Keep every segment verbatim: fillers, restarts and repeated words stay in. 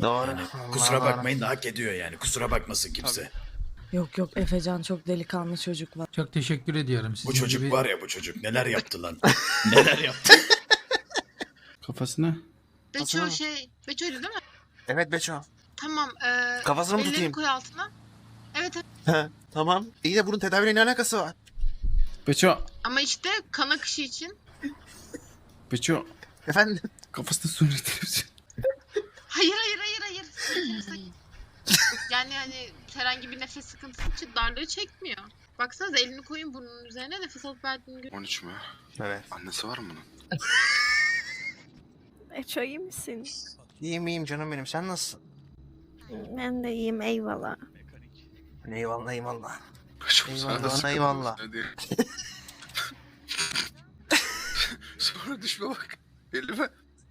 Doğru. Yani Allah kusura Allah. bakmayın da hak ediyor yani. Kusura bakmasın kimse. Yok yok Efecan çok delikanlı çocuk var. Çok teşekkür ediyorum. Sizin Bu çocuk gibi... var ya bu çocuk neler yaptı lan. Neler yaptı. Kafasına. Beço Aslında- şey, Beço'ydu değil mi? Evet Beço. Tamam. Ee, Kafasını mı ellerini tutayım? koy altına. Evet, evet. He, tamam. İyi de bunun tedaviyle ne alakası var? Beço. Ama işte kan akışı için. Beço. Efendim? Kafasına su üretirsin. Hayır hayır hayır hayır. Sakin, sakin. Yani hani herhangi bir nefes sıkıntısı için darlığı çekmiyor. Baksanıza elini koyun burnunun üzerine nefes alıp verdiğini görün. on üç mü? Evet. Annesi var mı bunun? Eço iyi misin? İyiyim iyiyim canım benim. Sen nasılsın? Ben de iyiyim eyvallah. Eyvallah eyvallah. Çok Eyvallah, sana sıkıntı eyvallah. olsun diye. Sonra düşme bak. Elime.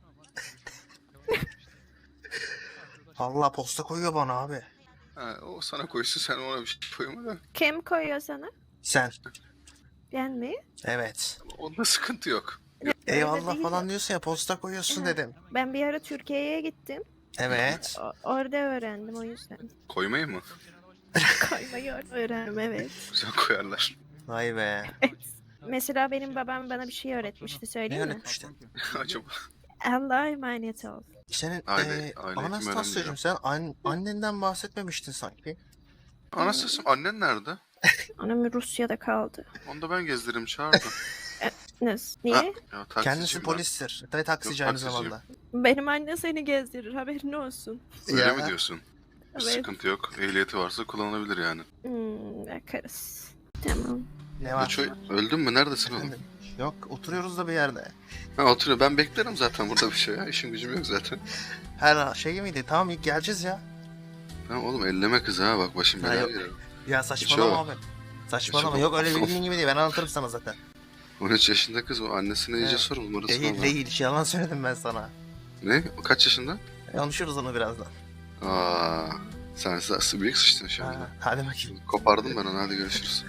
Allah posta koyuyor bana abi. Ha, o sana koysun sen ona bir şey koyma da. Kim koyuyor sana? Sen. Ben mi? Evet. Onda sıkıntı yok. Eyvallah değil falan de- diyorsun ya posta koyuyorsun Evet. dedim. Ben bir ara Türkiye'ye gittim. Evet. O- orada öğrendim o yüzden. Koymayı mı? Koymayı öğrendim evet. Güzel koyarlar. Vay be. Mesela benim babam bana bir şey öğretmişti Ne söyleyeyim mi? öğretmiştin? Acaba. Allah'a emanet ol. Senin Aile- eee aile eğitimi Anastasya'cığım önemli sen an- annenden bahsetmemiştin sanki. Anastasım annen nerede? Anam Rusya'da kaldı. Onu da ben gezdiririm çağırdım. Nasıl? Niye? Ha, ya, taksiciyim Kendisi ben. polistir. Tabii taksici Yok, aynı taksiciyim. zamanda. Benim anne seni gezdirir haberin olsun. Öyle Ya. mi diyorsun? Bir Evet. sıkıntı yok. Ehliyeti varsa kullanılabilir yani. Hmm, bakarız. Tamam. Ne var? Beçoy, öldün mü? Neredesin oğlum? Efendim? Yok oturuyoruz da bir yerde. Ha oturuyor. Ben beklerim zaten burada bir şey ya. İşim gücüm yok zaten. Her şey miydi? Tamam ilk geleceğiz ya. Tamam oğlum elleme kızı ha. Bak başım Ha, belaya yok. girer. Ya saçmalama Beço. abi. Saçmalama. Beço. Yok öyle bildiğin gibi değil. Ben anlatırım sana zaten. on üç yaşında kız o. Annesine iyice Evet. sor. Numarasını Değil al. değil. Yalan söyledim ben sana. Ne? O kaç yaşında? Konuşuruz onu birazdan. Aa, sen nasıl büyük sıçtın şu Ha, anda. hadi bakayım. Kopardım ben onu. Hadi görüşürüz.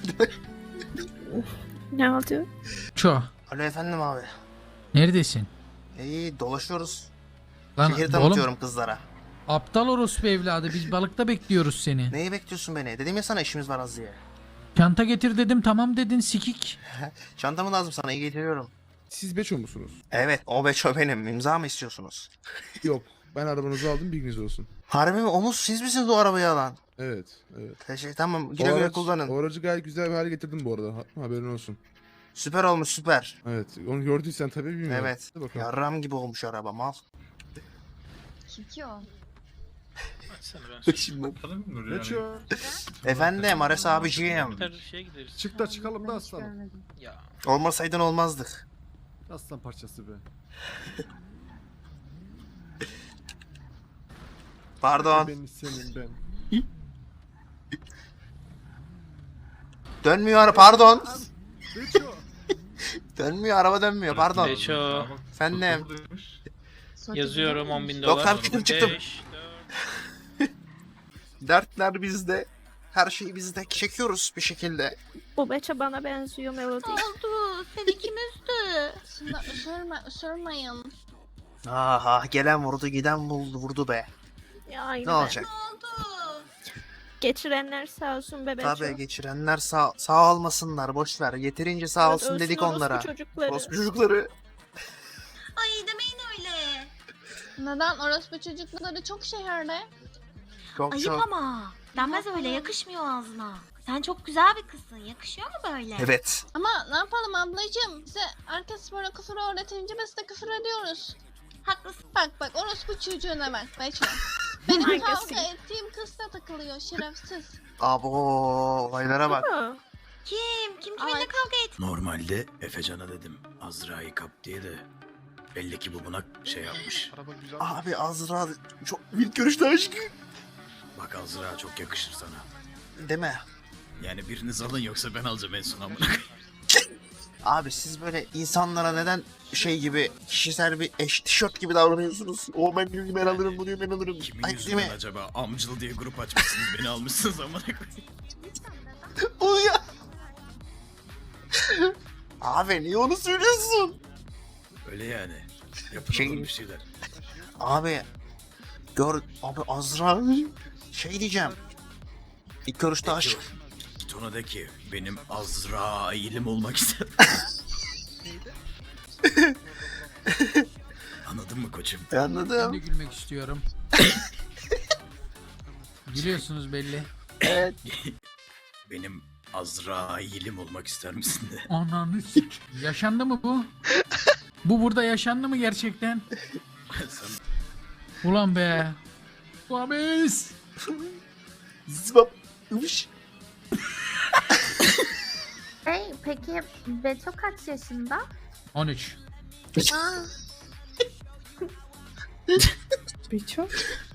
Ne oldu? Ço. Alo efendim abi. Neredesin? İyi dolaşıyoruz. Lan Şehir oğlum tanıtıyorum kızlara. aptal orospu evladı. Biz balıkta bekliyoruz seni. Neyi bekliyorsun beni? Dedim ya sana işimiz var az diye. Çanta getir dedim tamam dedin sikik. Çantamı lazım sana iyi getiriyorum. Siz Beço musunuz? Evet o beço benim. İmza mı istiyorsunuz? Yok. Ben arabanızı aldım bilginiz olsun. Harbi mi? Omuz siz misiniz o arabayı alan? Evet. Evet. Teşekkür tamam. O Güle güle araç- kullanın. O aracı gayet güzel bir hale getirdim bu arada. Ha- haberin olsun. Süper olmuş süper. Evet. Onu gördüysen tabii bilmiyorum. Evet. Hadi bakalım. Yarram gibi olmuş araba mal. Kim ki o? Beço. Efendim Ares abiciğim. Çık da çıkalım da aslanım. Olmasaydın olmazdık. Aslan parçası be. Pardon. Ben senin ben. Dönmüyor ara pardon. Beço. Dönmüyor araba dönmüyor pardon. Beço. Efendim. Yazıyorum on bin Yok dolar. tamam çıktım çıktım. Beş, Dertler bizde. Her şeyi bizde çekiyoruz bir şekilde. Bu Beço bana benziyor Melody. Oldu. Seni kim üzdü? Şunda ısırma, ısırmayın. Aha gelen vurdu giden buldu vurdu be. Ya, aynı Ne ben. olacak? Oldu. Geçirenler sağ olsun be Beço. Tabii geçirenler sağ, sağ olmasınlar boş ver. Yeterince sağ Evet, olsun ölsün dedik orospu onlara. çocukları. Orospu çocukları. Ay demeyin öyle. Neden? Orospu çocukları çok şehirde. Çok Ayıp çok. ama. Denmez öyle, yakışmıyor ağzına. Sen çok güzel bir kızsın. Yakışıyor mu böyle? Evet. Ama ne yapalım ablacığım? Bize herkes böyle küfür öğretince biz de küfür ediyoruz. Haklısın. Bak bak orospu çocuğuna bak. Beço. Benim Hangisi? kavga ettiğim kız da takılıyor şerefsiz. Abo olaylara bak. Ama Kim? Kim kiminle kavga etti? Normalde Efecan'a dedim Azra'yı kap diye de belli ki bu buna şey yapmış. Abi Azra çok ilk görüşte aşk. Bak Azra çok yakışır sana. Değil mi? Yani biriniz alın yoksa ben alacağım en son amına koyayım. Abi siz böyle insanlara neden şey gibi kişisel bir eş tişört gibi davranıyorsunuz? O ben diyor ki ben alırım bu diyor ben alırım. Kimin Ay değil yüzünden mi? acaba amcıl diye grup açmışsınız beni almışsınız amına koyayım. O ya. Abi niye onu söylüyorsun? Öyle yani. Yapın Şey- oğlum bir şeyler. Abi Gör abi Azra şey diyeceğim. İlk görüşte aşk. Git ona de ki benim Azrail'im olmak ister. Anladın mı koçum? E, anladım. Ben de gülmek istiyorum. Gülüyorsunuz belli. Evet. Benim Azrail'im olmak ister misin de? Ananı sik. Yaşandı mı bu? Bu burada yaşandı mı gerçekten? Sen Ulan be. Uamis. Zıbap. Üş. Hey, peki Beto kaç yaşında? on üç. Aa, Beço.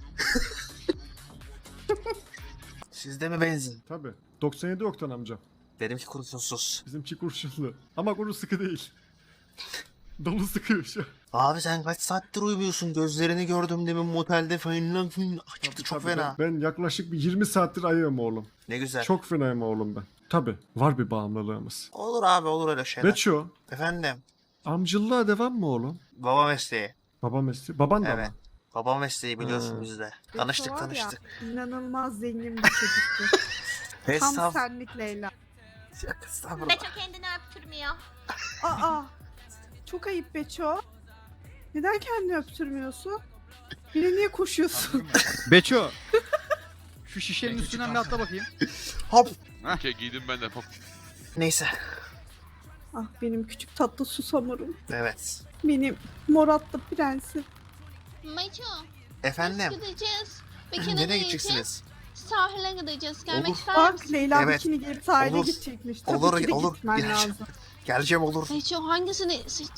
Sizde mi benzin? Tabi. doksan yedi oktan amcam. Benimki kurşunsuz. Bizimki kurşunlu. Ama kuru sıkı değil. Dolu sıkıyor şu an. Abi sen kaç saattir uyumuyorsun? Gözlerini gördüm demin motelde falan filan. Çıktı çok Tabii fena. Ben, ben yaklaşık bir yirmi saattir ayığım oğlum. Ne güzel. Çok fenayım oğlum ben. Tabi. Var bir bağımlılığımız. Olur abi olur öyle şeyler. Beço. Efendim. Amcılığa devam mı oğlum? Baba mesleği. Baba mesleği. Baban da Evet. mı? Baba mesleği biliyorsun Hmm. bizde. Tanıştık tanıştık. İnanılmaz zengin bir çocuktu. Hesap. senlik Leyla. Yok, estağfurullah. Beto kendini öptürmüyor. Aa. Çok ayıp Beço. Neden kendini öptürmüyorsun? Yine niye koşuyorsun? Beço. Şu şişenin üstünden bir atla bakayım. Hop. Okey giydim ben de. Hop. Neyse. Ah benim küçük tatlı susamurum. Evet. Benim moratlı prensim. Meço. Efendim. Biz gideceğiz. Bikini Nereye giyeceğiz. gideceksiniz? Sahile gideceğiz. Gelmek Olur. ister Bak misin? Leyla Evet. bikini giyip sahile Olur. gidecekmiş. Tabii Olur, ki de olur. gitmen Geleceğim. lazım. Geleceğim olur. Meço hangisini seç?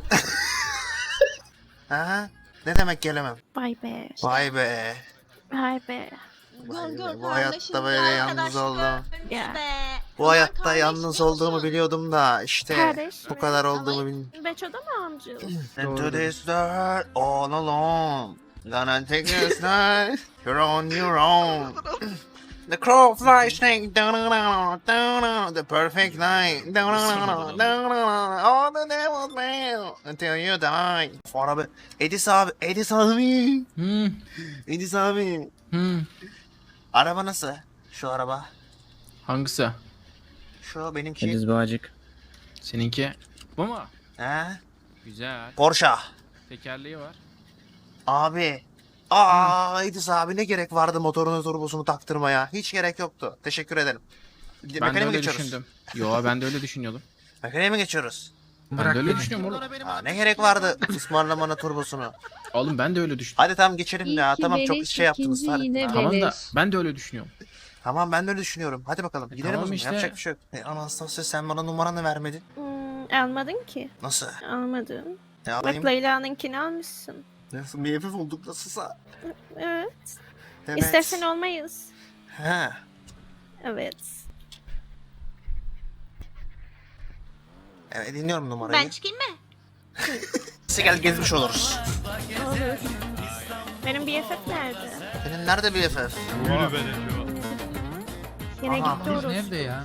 Ha? Ne demek gelemem? Vay be. Vay be. Vay be. Vay Gör be. gör Bu hayatta böyle yalnız oldum. Ya. Bu hayatta yalnız olduğumu biliyordum da işte Kardeş bu mi? kadar olduğumu bilmiyordum. Beço da mı amca? Into this dirt all alone. Gonna take this night. You're on your own. The crow flies snake. The perfect night. All the devil's mail. Until you die. Sonra abi. Edis abi. Edis abi. Hmm. Edis abi. Hmm. Araba nasıl? Şu araba. Hangisi? Şu benimki. Bağcık. Seninki. Bu mu? He? Güzel. Porsche. Tekerleği var. Abi. Aa Edis abi ne gerek vardı motorunu turbosunu taktırmaya? Hiç gerek yoktu. Teşekkür ederim. Ben de Mekaniğe mi öyle geçiyoruz? düşündüm. Yo ben de öyle düşünüyordum. Mekaniğe mi geçiyoruz? Ben Bırak de öyle beni. düşünüyorum oğlum. Aa, ne gerek vardı ısmarlamana turbosunu? Oğlum ben de öyle düşündüm. Hadi tamam geçelim ya. Tamam çok şey yaptınız. Hadi. Tamam da ben de öyle düşünüyorum. Tamam ben de öyle düşünüyorum. Hadi bakalım. E, Gidelim tamam o zaman. işte. Yapacak bir şey yok. E, Anastasia sen bana numaranı vermedin. Hmm, almadın ki. Nasıl? Almadın. Ne Bak alayım? Leyla'nınkini almışsın. Nasıl bir hafif olduk nasılsa. Evet. Evet. İstersen olmayız. He. Evet. Evet dinliyorum numarayı. Ben çıkayım mı? Neyse gel gezmiş oluruz. Olur. Benim B F F nerede? Senin nerede bir F F? Yine Aha. gitti Biz orası. nerede ya?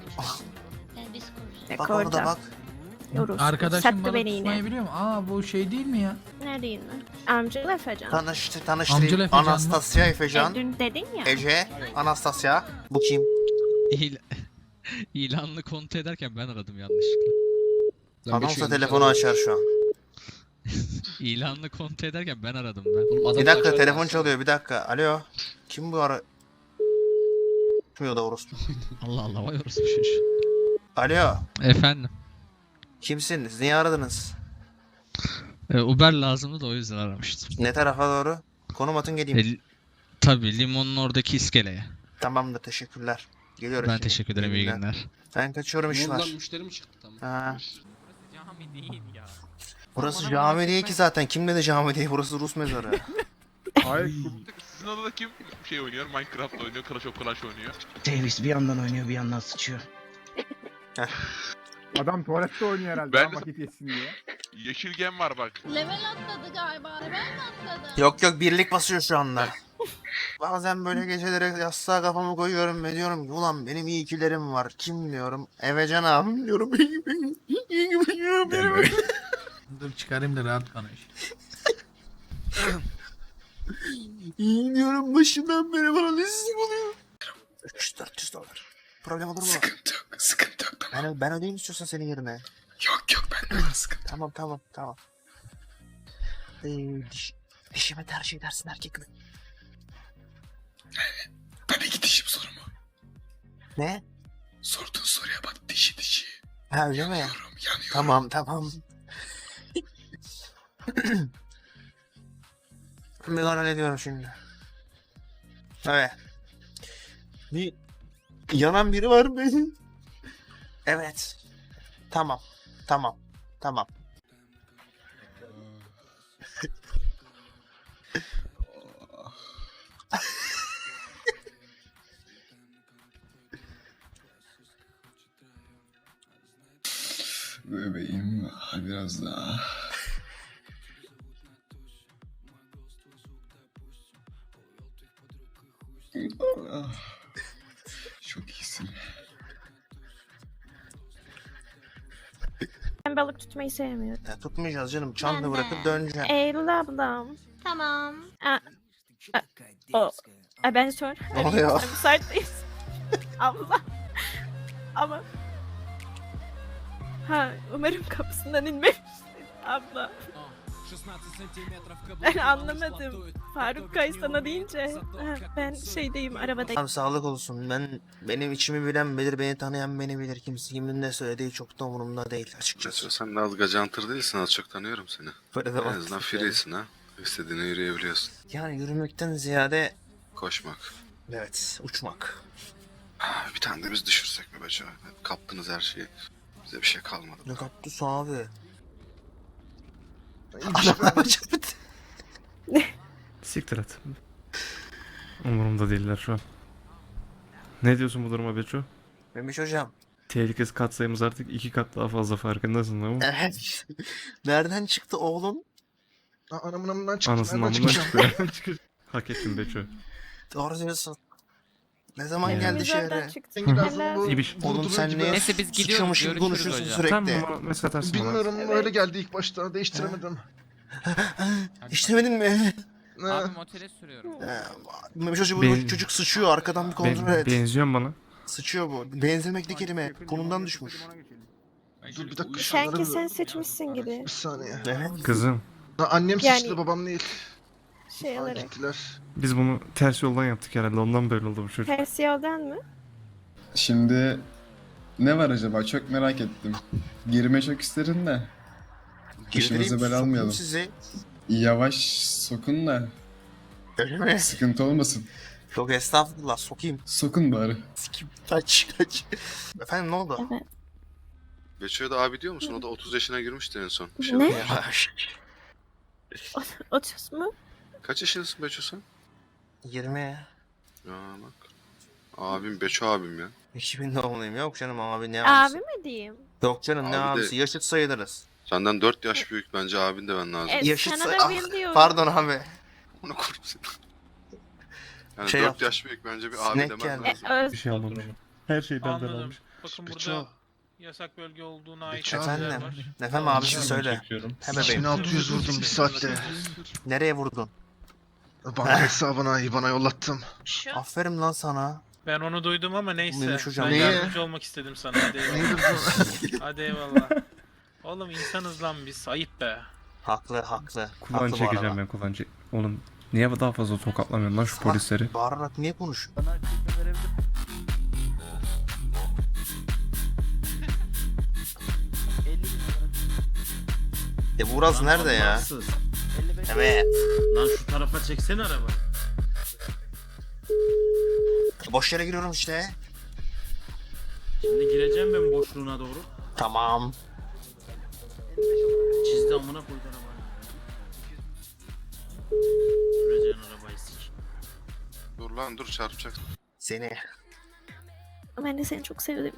Bak orada bak. Orası. Arkadaşım Sattı balık beni yine. tutmayı biliyor mu? Aa bu şey değil mi ya? Neredeyim ben? Amcalı Efecan. Tanıştı, Amcalı tanıştırayım. Efecan mı? Anastasia Efecan. E, dün dedin ya. Ece. Anastasia. Bu kim? İl İlanlı kontrol ederken ben aradım yanlışlıkla. Anonsa telefonu açar şu an. İlanlı kontrol ederken ben aradım ben. Bir dakika telefon çalıyor bir dakika. Alo. Kim bu ara? Açmıyor da orospu. Allah Allah vay orası bir şey. Alo. Efendim. Kimsiniz? Niye aradınız? e, Uber lazımdı da o yüzden aramıştım. Ne tarafa doğru? Konum atın geleyim. E, tabii limonun oradaki iskeleye. Tamamdır teşekkürler. Geliyorum Ben şimdi. teşekkür ederim iyi günler. günler. Ben kaçıyorum iş var. müşteri mi çıktı tamam? Ha. Cami değil ya. Burası cami değil ki zaten. Kim dedi cami değil? Burası Rus mezarı. Hayır. Sizin odada kim şey oynuyor? Minecraft oynuyor, Clash of Clans oynuyor. Davis bir yandan oynuyor bir yandan sıçıyor. Adam tuvalette oynuyor herhalde. Ben de- Vakit geçsin diye. Yeşil gem var bak. Level atladı galiba. Level mi atladı? Yok yok birlik basıyor şu anda. Bazen böyle gecelere yastığa kafamı koyuyorum ve diyorum ki ulan benim iyi ikilerim var. Kim diyorum? Evecan abim diyorum. Dur çıkarayım da rahat konuş. İyi diyorum başından beri bana nesizim oluyor. üç yüz dört yüz dolar. Problem olur mu? Sıkıntı yok, sıkıntı yok tamam. Ben, ben ödeyeyim istiyorsan senin yerine. Yok yok ben de var sıkıntı. Tamam tamam tamam. Ee, diş, dişime tercih edersin erkek mi? Tabii ki dişim sorumu. Ne? Sorduğun soruya bak dişi dişi. Ha öyle mi? Yanıyorum, yanıyorum. Tamam tamam. Ben hallediyorum şimdi. Evet. Bir yanan biri var benim. Evet. Tamam. Tamam. Tamam. Bebeğim biraz daha. Çok iyisin. Ben balık tutmayı sevmiyorum. Ya, tutmayacağız canım. Çanla Ben de. bırakıp döneceğim. Eylül ablam. Tamam. Aa, aa, o. Aa, ben sor. Ne oluyor? Müsaitteyiz. Abla. Ama. Ha, umarım kapısından inmemişsin abla. Ben anlamadım. Faruk Kay sana deyince. Ha, ben şeydeyim arabadayım. Tamam sağlık olsun. Ben benim içimi bilen bilir, beni tanıyan beni bilir. Kimse kimin ne söylediği çok da umurumda değil açıkçası. Mesela sen de az gacantır değilsin, az çok tanıyorum seni. Böyle de En bak. azından free'sin ha. İstediğine yürüyebiliyorsun. Yani yürümekten ziyade Koşmak. evet uçmak. Ah, bir tane de biz düşürsek mi be Joe? Kaptınız her şeyi. Bize bir şey kalmadı. Ne kaptı abi? Siktir et. Umurumda değiller şu an. Ne diyorsun bu duruma Beço? Memiş hocam. Tehlikesi katsayımız artık iki kat daha fazla farkındasın değil mi? Evet. Nereden çıktı oğlum? Anamın amından çıktı. Anasının Nereden amından çıkacağım? çıktı. Hak ettin Beço. Doğru diyorsun. Ne zaman Yani. geldi Biz oradan şehre? çıktık. Sen gidersin Helal. bu İbiş. Oğlum durduruyor sen gibi. niye Neyse, biz gidiyoruz, sıçramış gibi görüşürüz konuşuyorsun hocam. sürekli? Tamam ama mesaj atarsın bana. Bilmiyorum Evet. öyle geldi ilk başta değiştiremedim. İşlemedin mi? Ne? Abi motele sürüyorum. Ee, Memiş hocam bu Ben- çocuk sıçıyor arkadan bir kontrol Ben, et. benziyorsun bana. Sıçıyor bu. Benzemekli kelime. Konumdan düşmüş. Dur bir dakika. Sanki şunları sen bir- seçmişsin gibi. Bir saniye. Evet. Kızım Ha, annem Yani- sıçtı babam değil. Şey Ha, olarak. gittiler. biz bunu ters yoldan yaptık herhalde ondan böyle oldu bu çocuk. Ters yoldan mı? Şimdi ne var acaba? Çok merak ettim. Girme çok isterim de. Girdireyim, İşimizi bel sokayım almayalım. sizi. Yavaş sokun da Öyle mi? sıkıntı olmasın. Yok estağfurullah sokayım. Sokun bari. Sikim. Kaç kaç. Efendim ne oldu? Evet. Beço'ya da abi diyor musun? O da otuz yaşına girmişti en son. Bir şey Ne? oldu. Otuz mu? Kaç yaşındasın Beço sen? yirmi. Ya bak. Abim Beço abim ya. iki bin doğumluyum. Yok canım abi ne Abi abisi? mi diyeyim? Yok canım ne Abi de- abisi? Yaşıt sayılırız. Senden dört yaş büyük, bence abin de ben lazım. E, Yaşıt sana say- da Ah, bir diyorum. Pardon abi. Onu kurup seni. Yani Şey dört yaptım. yaş büyük, bence bir abi Sinek demen geldi. lazım. E, öz- Bir şey almamış. Her şey benden Anladım. almış. Bakın Beço. burada yasak bölge olduğuna ait Beço. bilgiler Efendim. var. Efendim abisi söyle. He bebeğim. iki bin altı yüz vurdum bir saatte. Nereye vurdun? Banka hesabına IBAN'a yollattım. Şu. Aferin lan sana. Ben onu duydum ama neyse. Neymiş hocam? Ben Niye? yardımcı olmak istedim sana. Hadi eyvallah. Neydi bu? Hadi eyvallah. Oğlum insanız lan biz. Ayıp be. Haklı haklı. Kulağını Haklı bu çekeceğim arada. ben kulağını çek. Oğlum niye daha fazla tokatlamıyorsun lan şu Bak, polisleri? Bağırarak niye konuşuyorsun? E Buraz nerede ya? Evet. Lan şu tarafa çeksene araba. Boş yere giriyorum işte. Şimdi gireceğim ben boşluğuna doğru. Tamam. Çizdi amına koydu arabayı. Süreceğin arabayı sik. Dur lan dur, çarpacaksın. Seni. Ben de seni çok sevdim.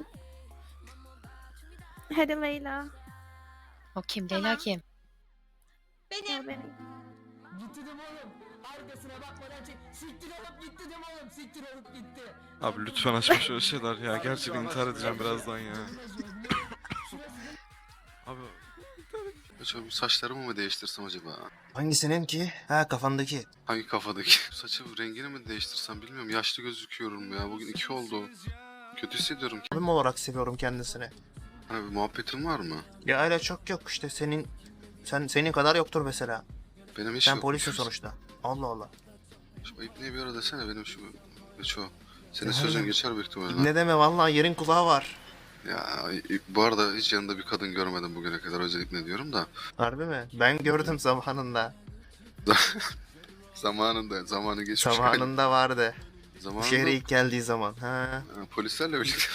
Hadi Leyla. O kim? Leyla kim? Gel benim. Abi lütfen açma şöyle şeyler ya. Gerçekten intihar edeceğim birazdan ya. Abi. Acaba saçlarımı mı değiştirsem acaba? Hangisinin ki? Ha, kafandaki. Hangi kafadaki? Saçı rengini mi değiştirsem bilmiyorum. Yaşlı gözüküyorum ya. Bugün iki oldu. Kötü hissediyorum. Abim olarak seviyorum kendisini. Hani bir muhabbetin var mı? Ya öyle çok yok işte, senin sen senin kadar yoktur mesela. Benim hiç Sen yok. polisin sonuçta. Allah Allah. Şu ayıp niye bir ara desene benim şu... Geç o. Senin Ya sözün öyle. geçer büyük ihtimalle. Ne deme, vallahi yerin kulağı var. Ya bu arada hiç yanında bir kadın görmedim bugüne kadar, özellikle diyorum da. Harbi mi? Ben gördüm zamanında. Zamanında, zamanı geçmiş. Zamanında vardı. Bu Zamanında şehre ilk geldiği zaman. Ha. ha, polislerle birlikte.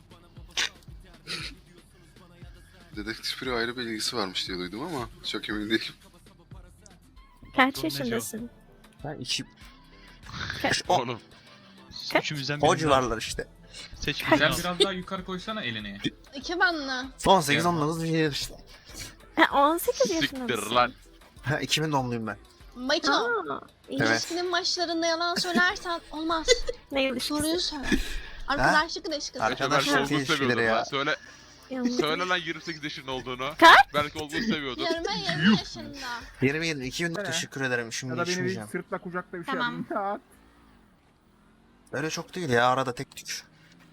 Dedektif biri ayrı bir ilgisi varmış diye duydum ama çok emin değilim. Kaç yaşındasın? Ha, iki... Kaç? O, Oğlum. Kaç? Üçümüzden o biri civarlar işte. seç. Kaç? Sen biraz daha yukarı koysana elini. İki banlı. on sekiz on dokuz bir şey işte. Ha, on sekiz yaşında Siktir mısın? lan. Ha, iki bin doğumluyum ben. Maço. Aa, iyi. Evet. İlişkinin başlarında yalan söylersen olmaz. Ne ilişkisi? Soruyu söyle. Arkadaşlık ilişkisi. Arkadaşlar Ha. ilişkileri ya. Söyle, Yanlış. söyle lan yirmi sekiz yaşında olduğunu. Kaç? Belki olduğunu seviyordu. yirmi yirmi yaşında. yirmi yirmi iki bin teşekkür ederim, şimdi içmeyeceğim. sırtla kucakla bir Tamam. Öyle çok değil ya, arada tek tük.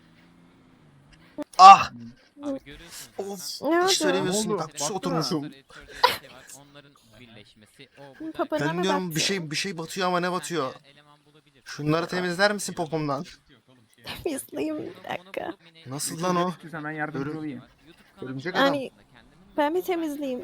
Ah! Abi görüyorsunuz. Of! Ne Hiç oldu? söylemiyorsun, Ne oldu? kaktüse Baksana. oturmuşum. Onların birleşmesi. O Hı, papana Ben mı diyorum baktı? bir şey bir şey batıyor ama ne batıyor? Şunları temizler misin popomdan? Temizleyeyim bir dakika. Nasıl lan o? Hemen yardımcı yardımcı olayım. Örümcek Yani- adam. Ben bir temizleyeyim.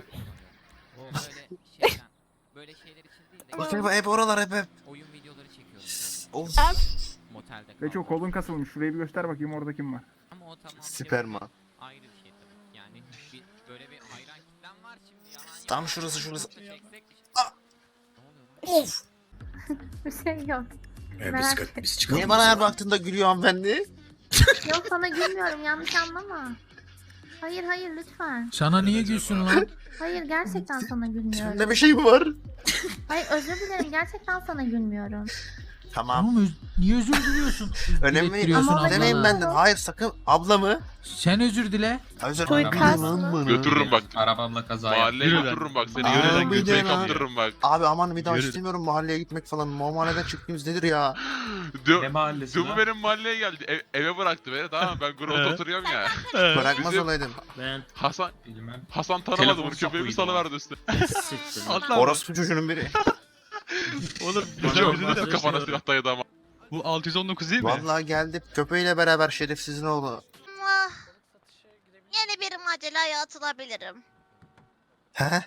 Böyle şeyler için değil de Bak hep, hep oralar hep hep. oyun videoları çekiyoruz. Of. Motelde Ve çok kolun kasılmış. Şurayı bir göster bakayım orada kim var. Ama o tamam. Süperman. Ayrı bir şey tabii. Yani bir, böyle bir hayran kitlen var şimdi. Yalan Tam yok. şurası, şurası. Çeksek- Ah! Ne oluyor? Of! Bir şey yok. Ee, biz, ka- biz çıkalım. Niye o bana her zaman. baktığında gülüyor hanımefendi? Yok, sana gülmüyorum, yanlış anlama. Hayır hayır lütfen. Sana niye gülsün lan? Hayır, gerçekten sana gülmüyorum. Sende bir şey mi var? Hayır, özür dilerim, gerçekten sana gülmüyorum. Tamam. Tamam öz- niye özür diliyorsun? Önemli değil. Dilettiriyorsun Ama Özür dilemeyin ablana. benden. Hayır sakın. Ablamı. Sen özür dile. Özür Suikast dilerim mı? bana. Götürürüm bak. Arabamla kaza Mahalleye yaptım. götürürüm bak seni. Aa, Yürüden bir götüre de lan. kaptırırım bak. Abi aman bir daha Yürü. istemiyorum mahalleye gitmek falan. Mahalleden çıktığımız nedir ya? Ne Dö mahallesi Dümü lan? benim mahalleye geldi. Ev- eve bıraktı beni, tamam mı? Ben Grot'ta oturuyorum ya. Bırakmaz Bizim- olaydım. Ben Hasan bilmem. Hasan tanımadı Telefon bunu. Köpeği bir sapıydı salıverdi üstüne. Siktir. Hasan Orospu çocuğunun biri. oğlum Bana güzel bak, bizi de bana kafana şey silah dayadı ama. Bu altı yüz on dokuz değil mi? Vallahi geldi köpeğiyle beraber şerefsizin oğlu. Ah, yeni bir maceraya atılabilirim. He?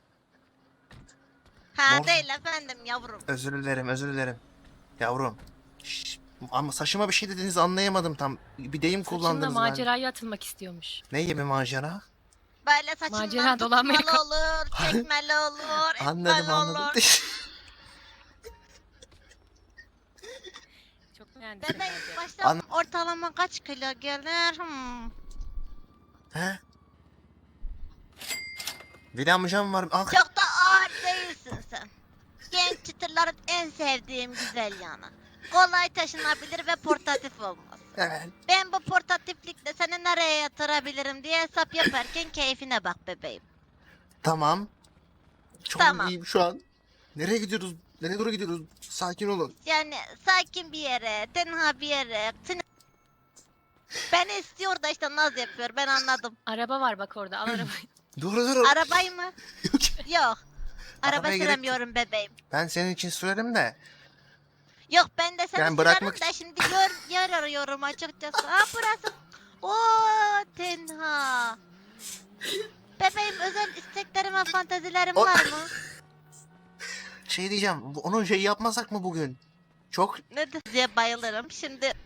Ha Mor- değil efendim yavrum. Özür dilerim, özür dilerim. Yavrum. Şşş, ama saçıma bir şey dediniz, anlayamadım tam. Bir deyim kullandınız ben. maceraya atılmak istiyormuş. Ne gibi macera? Böyle saçından Macera dolanmaya tutmalı olur, çekmeli olur, Anladım, etmeli anladım. olur. Çok beğendim. Bebeğim başta An- ortalama kaç kilo gelir? Hmm. He? Veli amcam var. Ah, Çok da ağır değilsin sen. Genç çıtırların en sevdiğim güzel yanı. Kolay taşınabilir ve portatif olmaz. evet. Ben bu portatiflikle seni nereye yatırabilirim diye hesap yaparken keyfine bak bebeğim. Tamam. Çok Tamam. iyiyim şu an. Nereye gidiyoruz? Nereye doğru gidiyoruz? Sakin olun. Yani sakin bir yere, tenha bir yere. Seni... Beni istiyor da işte naz yapıyor, ben anladım. Araba var bak orada, al arabayı. Dur dur. Arabayı mı? Yok. Araba Arabaya gerek yok. süremiyorum bebeğim. Ben senin için sürerim de. Yok ben de seni Yani sürerim bırakmak de şimdi yer, yer arıyorum açıkçası. Ha burası. Oo tenha. Bebeğim özel isteklerim ve fantezilerim O- var mı? Şey diyeceğim. bu- Onun şey yapmasak mı bugün? Çok Ne diye bayılırım. Şimdi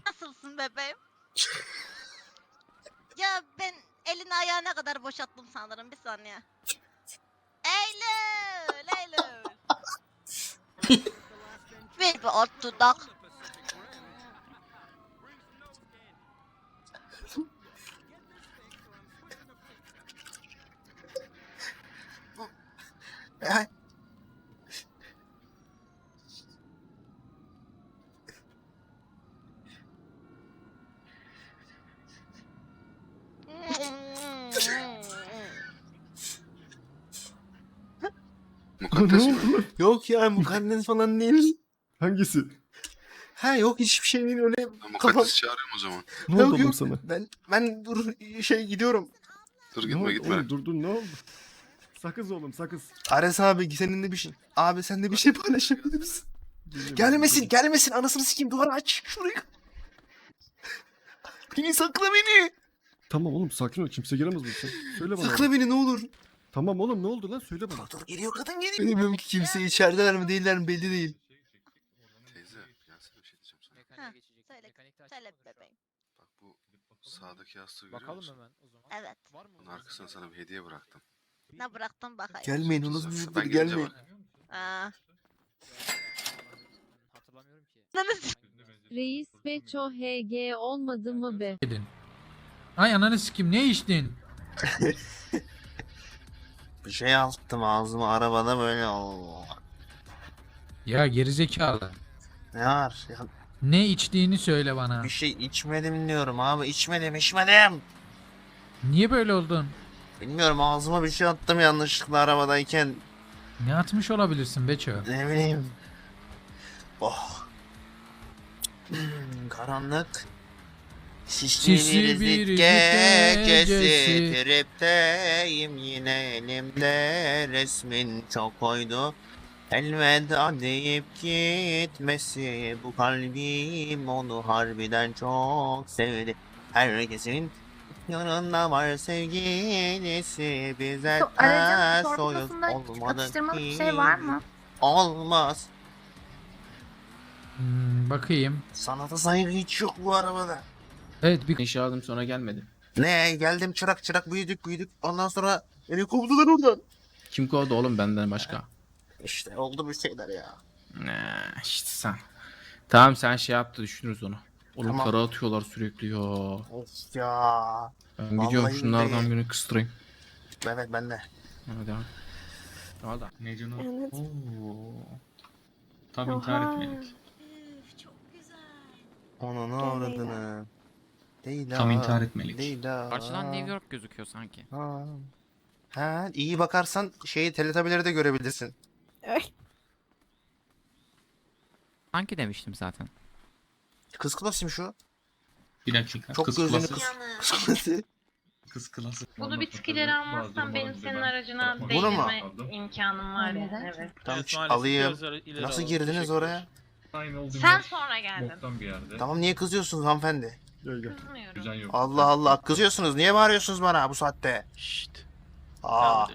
Nasılsın bebeğim? Ya ben elini ayağına kadar boşalttım sanırım, bir saniye. Eylül, Eylül. Ver bir alt dudak. Ay. Mukaddes mi? Yok ya mukaddes falan değil. Hangisi? Ha yok hiçbir şey değil öyle. Ben Kafam. Mukaddes'i çağırıyorum o zaman. Ne oldu Yok, oğlum yok. sana? Ben ben dur şey gidiyorum. Dur Ne gitme oldu gitme. oğlum, dur dur ne oldu? Sakız oğlum sakız. Ares abi seninle bir şey. Abi sen de bir şey paylaşabilir misin? Geliyorum, Gelmesin geliyorum. gelmesin anasını sikeyim duvarı aç şurayı. Beni sakla beni. Tamam oğlum sakin ol, kimse giremez buraya. Söyle bana. Sakla beni ne olur. Tamam oğlum ne oldu lan, söyle bana. Dur geliyor kadın geliyor. Bilmiyorum ki kimse içerideler mi değiller mi belli değil. Teyze gelsene bir şey diyeceğim sana. Ha, söyle, söyle bebeğim. Bak bu sağdaki yastığı görüyor Bakalım musun? hemen o zaman. Evet. Bunun arkasına sana bir hediye bıraktım. Ne bıraktın bakayım. Gelmeyin o Sen- nasıl bir sen- çocuktur ben gelince gelmeyin. bak. Aa. Hatırlamıyorum ki. Reis Beço H G olmadı mı be? Dedin. Ay ananı sikim ne içtin? Bir şey attım ağzıma arabada böyle. Oo. Ya gerizekalı. Ne var? Ya, Ne içtiğini söyle bana. bir şey içmedim diyorum abi içmedim içmedim. Niye böyle oldun? Bilmiyorum ağzıma bir şey attım yanlışlıkla arabadayken. Ne atmış olabilirsin Beço? Ne bileyim. Oh. Hmm, karanlık. Sisli Sisli bir bir zik gecesi. gecesi. Tripteyim yine elimde resmin çok koydu. Elveda deyip gitmesi bu kalbim onu harbiden çok sevdi. Herkesin yanında var sevgilisi bize ters soyuz olmadı ki. Olmaz. Hmm, bakayım. Sanata saygı hiç yok bu arabada. Evet bir İşe aldım sonra gelmedi. Ne geldim çırak çırak büyüdük büyüdük ondan sonra beni kovdular oradan. Kim kovdu oğlum benden başka? İşte oldu bir şeyler ya. Ne işte sen. Tamam sen şey yaptı düşünürüz onu. Oğlum Tamam. para atıyorlar sürekli ya. Of ya. Ben Vallahi gidiyorum şunlardan billahi. birini kıstırayım. Evet ben de. Hadi abi. Valla. Evet. Tam Oha. Çok güzel. Onu ne avradını. Değil Tam ha, intihar etmelik. Değil ha. Karşıdan New York gözüküyor sanki. Ha. Ha, iyi bakarsan şeyi teletabileri de görebilirsin. Ay. Sanki demiştim zaten. Kız klasım şu. Bir dakika. Çok gözünü kız. Kız klası. Kız klası. Bunu bir tık ileri almazsan benim senin aracına Bunu mu? değdirme imkanım var yani. Evet. Tamam Evet, ç- maalesef alayım. biraz ileri Nasıl alalım. girdiniz Teşekkür oraya? Aynı oldu. Sen sonra geldin. bir yerde. Tamam niye kızıyorsunuz hanımefendi? Gel gel. Kızmıyorum. yok. Allah Allah kızıyorsunuz. Niye bağırıyorsunuz bana bu saatte? Şşt. Aa.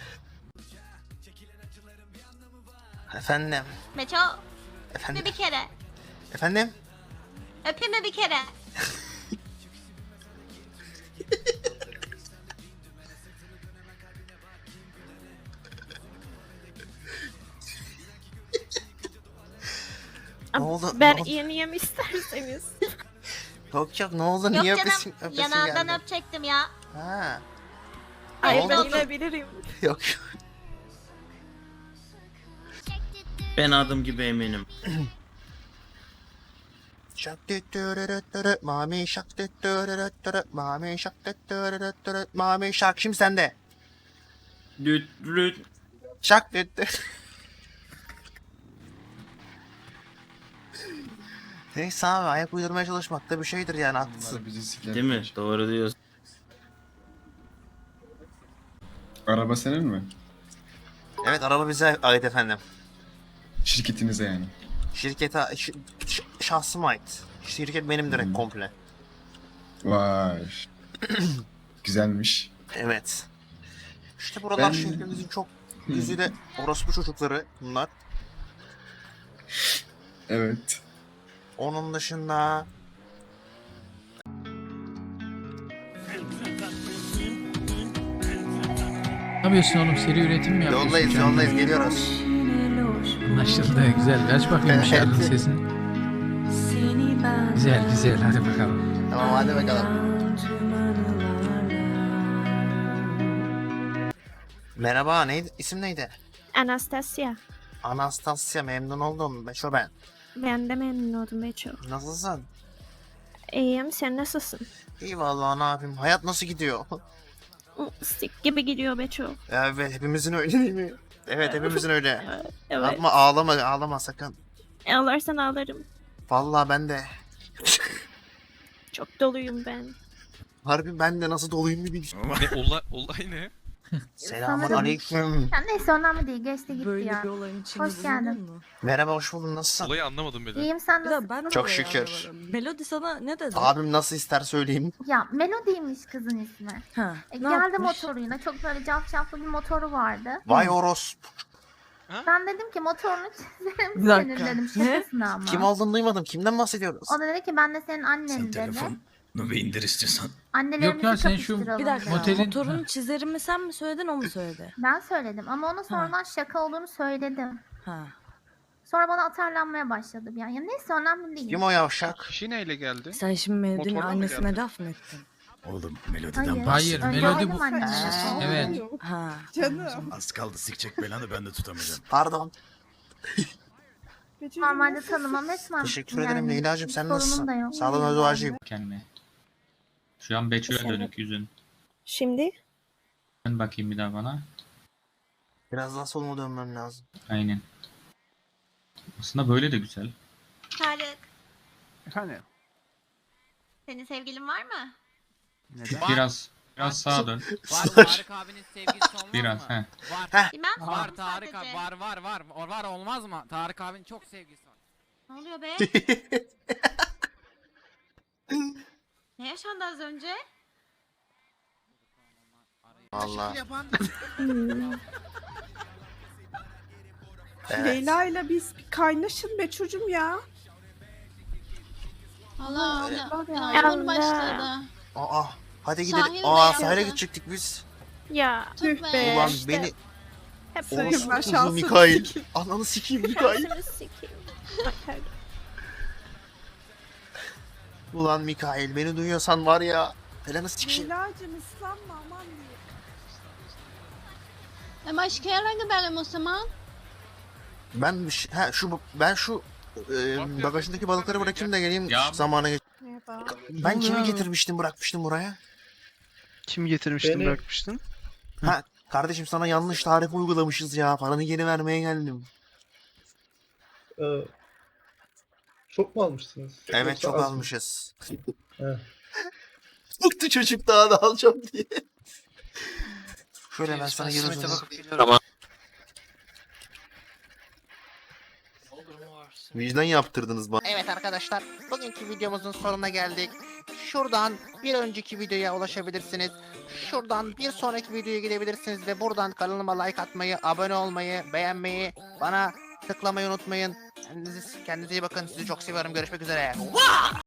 Efendim. Meço, Efendim. bir kere. Efendim. Öpeyim mi bir kere? Ne oldu? Ben Ne oldu? yeni yem isterseniz. Yok yok ne oldu? Yok Niye canım, öpesin, öpesin yanağından geldi? öpecektim ya. Ha. Ay Ne ben oldu? bilebilirim. Yok. Ben adım gibi eminim. Şak tüttürürüttürü, mami şak tüttürürüttürü, mami şak tüttürürüttürü, mami şak şimdi sende. Lüt lüt. Şak tüttü. Neyse abi ayak uydurmaya çalışmak da bir şeydir yani haklısın. Değil mi? Doğru diyorsun. Araba senin mi? Evet araba bize ait efendim. Şirketinize yani. Şirkete, ş- ş- şahsıma ait. Şirket benim direkt Hmm. komple. Vay. Güzelmiş. Evet. İşte buralar Ben- şehrimizin çok güzide orospu çocukları bunlar. Evet. Onun dışında yapıyorsun oğlum? Seri üretim mi yapıyorsun? Yoldayız canım? yoldayız geliyoruz. Anlaşıldı. Güzel. Aç bakayım Evet. şarkının sesini. Güzel güzel. Hadi bakalım. Tamam hadi bakalım. Merhaba neydi? İsim neydi? Anastasia. Anastasia memnun oldum. Beşo ben. Ben de memnun oldum Beço. Nasılsın? İyiyim, sen nasılsın? İyi vallahi ne yapayım. Hayat nasıl gidiyor? Sik gibi gidiyor Beço. Evet hepimizin öyle değil mi? Evet hepimizin öyle. Evet. Evet. Yapma ağlama ağlama sakın. Ağlarsan ağlarım. Vallahi ben de. Çok doluyum ben. Harbi ben de nasıl doluyum bir bilmiyorum. Ne olay, olay ne? Selamun aleyküm. Ya neyse önemli değil. Geçti gitti Böyle ya. bir olayın içinde Hoş geldin. bulundun mu? Merhaba hoş buldun nasılsın? Olayı anlamadım bile. İyiyim sen Bir de nasılsın? ben de Çok olayı şükür. anlamadım. Melody sana ne dedi? Abim nasıl ister söyleyeyim. Ya Melody'ymiş kızın ismi. Ha, E, ne geldi yapmış? motoruyla. Çok böyle cafcaflı bir motoru vardı. Vay orospu. Ben dedim ki motorunu çizerim Bir dakika. senin dedim. Ne? Şakasına ama. Kim olduğunu duymadım. Kimden bahsediyoruz? O da dedi ki ben de senin annen Sen dedi. telefonu bir indir istiyorsan. Annelerimizi Yok ya, sen şu- kapıştıralım Bir dakika. dedi. Motelin- Motorun çizerimi sen mi söyledin o mu söyledi? Ben söyledim ama ona sonradan şaka olduğunu söyledim. Ha. Sonra bana atarlanmaya başladı bir an. Ya neyse önemli değil. Kim o yavşak? Kişi neyle geldi? Sen şimdi Melody'nin Motorla mı annesine geldi? laf mı ettin? Oğlum melodiden Hayır. Hayır, Önce melodi dedim bu- anneme. Aa, Evet. Ha. Canım. Az kaldı sikecek belanı ben de tutamayacağım. Pardon. Normalde tanımam etmem. Teşekkür ederim Leyla'cığım sen sorunum nasılsın? da yok. Sağlığına duacıyım. Kendime. Şu an Beço'ya Sen- dönük yüzün. Şimdi? Dön bakayım bir daha bana. Biraz daha soluma dönmem lazım. Aynen. Aslında böyle de güzel. Tarık, Efendim? senin sevgilin var mı? Biraz biraz sağa dön. Var Tarık abinin sevgilisi olmaz Biraz he. Bilmem. Var Tarık abi var var var. O var olmaz mı? Tarık abinin çok sevgilisi var. Ne oluyor be? Ne yaşandı az önce? Allah. Hmm. Evet. Leyla ile biz bir kaynaşın be çocuğum ya. Allah Allah. Allah. Yağmur Allah. başladı. Aa, hadi gidelim. Sahil Aa mi sahile yaptı? gidecektik biz. Ya. Tüh be. be. Ulan işte. beni Hep Sakın böyle. ben orospu şansımı Mikail. sikeyim. Ananı sikeyim Mikail. Şansımı sikeyim. Bakar. Ulan Mikail beni duyuyorsan var ya. Belanı sikeyim. Leyla'cığım ıslanma aman diye. E başka yere gidelim o zaman. Ben bir şey- ha şu ben şu e, bagajındaki balıkları bırakayım da geleyim Ya- zamana geç. Merhaba. Ben kimi getirmiştim bırakmıştım buraya? Kim getirmiştin bırakmıştın? Ha kardeşim sana yanlış tarif uygulamışız ya. Paranı geri vermeye geldim. Çok mu almışsınız? Evet çok almışız. He. Bıktı çocuk daha da alacağım diye. Şöyle ben sana geri uzanayım. Tamam. Vicdan yaptırdınız bana. Evet arkadaşlar, bugünkü videomuzun sonuna geldik. Şuradan bir önceki videoya ulaşabilirsiniz. Şuradan bir sonraki videoya gidebilirsiniz ve buradan kanalıma like atmayı, abone olmayı, beğenmeyi, bana tıklamayı unutmayın. Kendinize, kendinize iyi bakın. Sizi çok seviyorum. Görüşmek üzere.